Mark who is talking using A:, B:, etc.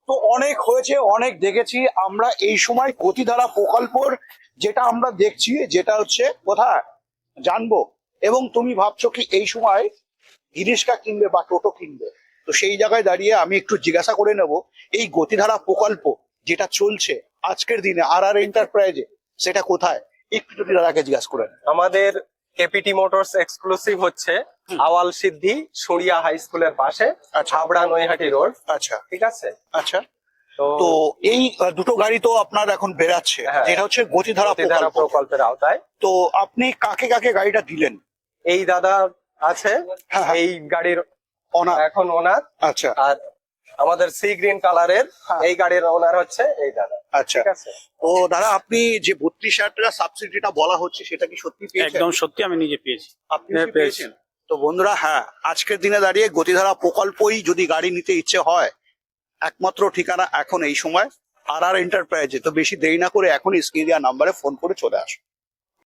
A: তো অনেক হয়েছে, অনেক দেখেছি আমরা। এই সময় গতিধারা প্রকল্পর যেটা আমরা দেখছি, যেটা হচ্ছে কোথায় জানবো, এবং তুমি ভাবছো কি এই সময় রিক্সা কিনবে বা টোটো কিনবে। তো সেই জায়গায় দাঁড়িয়ে আমি একটু জিজ্ঞাসা করে নেব, এই গতিধারা প্রকল্প যেটা চলছে আজকের দিনে আর আর এন্টারপ্রাইজে, সেটা কোথায়, একটু যদি দাদাকে জিজ্ঞাসা করে নেন।
B: আমাদের কেপিটি মোটরস এক্সক্লুসিভ হচ্ছে আওয়াল সিদ্ধি সরিয়া হাই স্কুলের পাশে,
A: আচ্ছা।
B: হাবড়া নৈহাটি রোড।
A: আচ্ছা
B: ঠিক আছে।
A: আচ্ছা।
B: তো
A: তো এই দুটো গাড়ি তো আপনার এখন বেরাচ্ছে,
B: হ্যাঁ,
A: যেটা হচ্ছে গতিধারা
B: গতিধারা
A: প্রকল্প।
B: প্রকল্পের আওতায়।
A: তো আপনি কাকে কাকে গাড়িটা দিলেন?
B: এই দাদা আছে,
A: হ্যাঁ, হ্যাঁ।
B: এই গাড়ির
A: ওনার?
B: এখন ওনার।
A: আচ্ছা
B: আর আমাদের সি গ্রিন কালারের
A: হ্যাঁ।
B: এই গাড়ির ওনার হচ্ছে এই দাদা।
A: আচ্ছা।
B: ঠিক আছে।
A: তো দাদা, আপনি যে 32,000 টাকা সাবসিডিটা বলা হচ্ছে, সেটা কি সত্যি পেয়েছেন?
C: একদম সত্যি, আমি নিজে পেয়েছি।
A: আপনি কি পেয়েছেন? তো বন্ধুরা, হ্যাঁ, আজকের দিনে দাঁড়িয়ে গতিধারা প্রকল্পই যদি গাড়ি নিতে ইচ্ছে হয়, একমাত্র ঠিকানা এখন এই সময় আর আর এন্টারপ্রাইজে। তো বেশি দেরি না করে এখনই স্ক্রিনে দেওয়া নাম্বারে ফোন করে চলে আসুন।